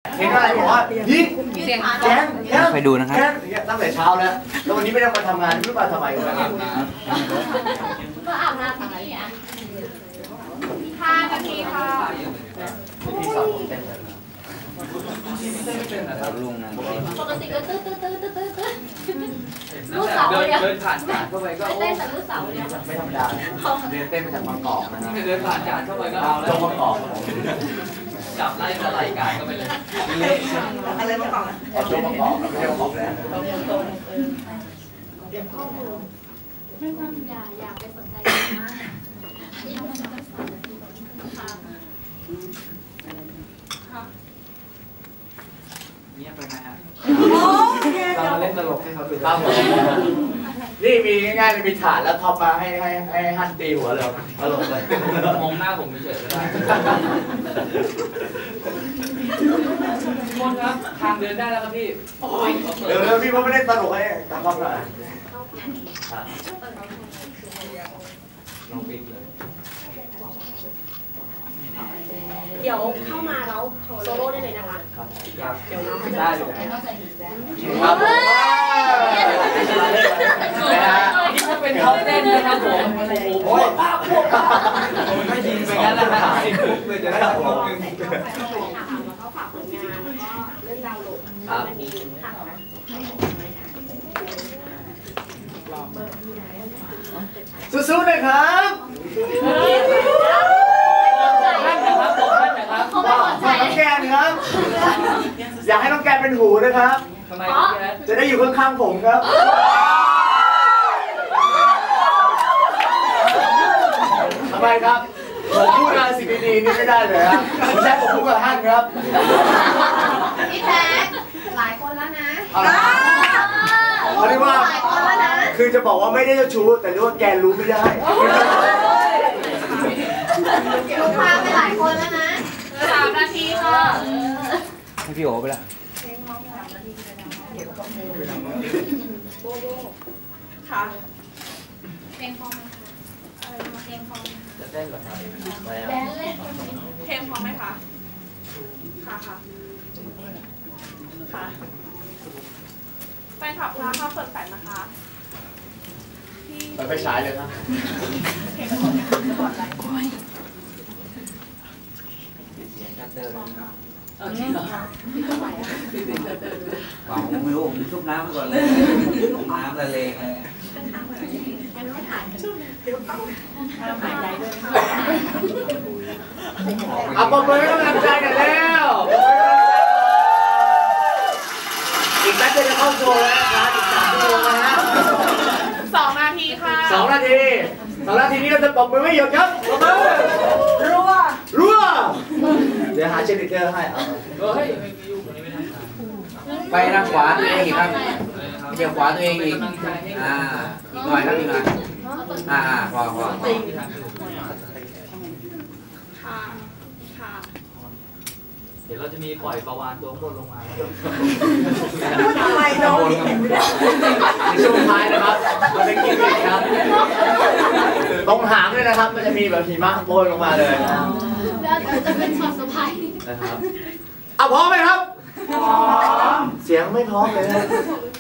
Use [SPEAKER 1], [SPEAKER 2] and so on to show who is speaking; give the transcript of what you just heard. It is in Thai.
[SPEAKER 1] เห็นอะไรบอกว่ายิงแก๊ง
[SPEAKER 2] ไปดูนะครับ
[SPEAKER 1] ตั้งแต่เช้าแล้วแล้ววันนี้ไม่ได้มาทำงานไม่รู้มาทำไมวะ
[SPEAKER 3] ก็อาบน้ำที่นี่อ่ะ5 นาทีค่ะ
[SPEAKER 1] พี่สอนผมเต้นเลย
[SPEAKER 2] ลุงนะ
[SPEAKER 3] ปกติก็ตื้อลูกเสาเดียว
[SPEAKER 4] เดินผ่านกาดเข้าไปก็
[SPEAKER 3] เต้นแต่ลูกเสาเดียว
[SPEAKER 1] ไม่ธรรมดาเดินเต้นมาจากบางกอกนะครับ
[SPEAKER 4] เดินผ่านกาดเข้าไปก็เอาแล้
[SPEAKER 1] จ
[SPEAKER 4] ว
[SPEAKER 1] งบางกอก
[SPEAKER 4] จับไล่ก็ไล่กาดเข้าไปเลย
[SPEAKER 5] อะไรมาก่อน
[SPEAKER 1] จงบางกอกไม่ใช่บางกอกแล้ว
[SPEAKER 3] อย่าไปสนใจมาก
[SPEAKER 4] เงียบไปไหมฮะ
[SPEAKER 1] เรามาเล่นตลกให้เขาดูครับนี่มีง่ายๆมีฐานแล้วท็อปมาให้ฮันตีหัวเราตลกเลย
[SPEAKER 4] มองหน้าผมเฉยๆก็ได้โทษครับทางเดินได้แล้วครับพี่
[SPEAKER 1] เร็วๆพี่ว่าไม่ได้ตลกให้กับท็อปหน่อย
[SPEAKER 4] ลองปิดเลย
[SPEAKER 5] เดี๋ยวเข้ามาแล้วโซโล่ได้เลยนะคะ
[SPEAKER 1] ครับ
[SPEAKER 5] เดี๋ยวเรา
[SPEAKER 1] ได้เลยครับ
[SPEAKER 4] นี่ถ้าเป็นเขาเต้นนะครับผมโอ้ยป้าพวกผมไม่ยิงไปงั้นแล้วหายปุ๊บเลยจะได้พวกนึง
[SPEAKER 5] แล้วก็ฝากผลงานแล้วก็เรื่องดาวน์โหลดมันมีค่ะ
[SPEAKER 1] สู้ๆเลยครับน้องแกนครับอยากให้น้องแกนเป็นหูนะครับ
[SPEAKER 4] ทำไม
[SPEAKER 1] จะได้อยู่ข้างๆผมครับทำไมครับผมพูดอะไรสิ่งดีๆนี่ไม่ได้เลยครับผมแค่ผมพูดกับท่านครับ
[SPEAKER 3] พี่แจ๊คหลายคนแล้วนะ
[SPEAKER 1] เขาเรียกว่าคือจะบอกว่าไม่ได้เจ้าชู้แต่เรียกว่าแกรู้ไม่ได้
[SPEAKER 3] ลูกค้าไปหลายคนแล้วนะ3 นาทีค่ะ
[SPEAKER 2] ให้พี่โอไปละ
[SPEAKER 5] ค่ะ
[SPEAKER 3] เพลงพร้อมไหมคะเพลงพร้อม
[SPEAKER 4] จะเต้นเหรอครับ
[SPEAKER 3] แดนเลย
[SPEAKER 5] เพลงพร้อมไหมคะค่ะค่ะแฟนคลับร้านข้าวสดแสนนะคะ
[SPEAKER 1] ไปฉายเลยนะ
[SPEAKER 2] เปล่าไม่รู้ผมชุบน้ำไปก่อนเลยน้ำละเลงเลย
[SPEAKER 1] ปรบมือให้กำลังใจกันแล้วอีกแป๊บเดียวจะเข้าโชว์แล้วนะครับอีก3 ชั่วโมงนะฮะ
[SPEAKER 5] 2 นาทีค่ะ
[SPEAKER 1] 2 นาทีนี้เราจะปรบมือไม่หยุดครับปรบมือรัวเดี๋ยวหาเชนิเตอร์ให้
[SPEAKER 2] ไปทางขวาตัวเองอีกครับเดี๋ยวขวาตัวเองอีกอีกหน่อยครับอีกหน่อยพอ
[SPEAKER 5] ค่ะ
[SPEAKER 4] เดี๋ยวเราจะมีปล่อยประวานตัวบนลงมา
[SPEAKER 5] ทำไมน้อง
[SPEAKER 1] ในช่วงท้ายนะครับมันเป็นกิมมิคครับตรงหางด้วยนะครับมันจะมีแบบหิมะโปรยลงมาเลย
[SPEAKER 3] แล้วจะเป็นช็อตเซอร์ไพรส์
[SPEAKER 1] นะครับพร้อมไหมครับพร้อมเสียงไม่พร้อมเลยนะ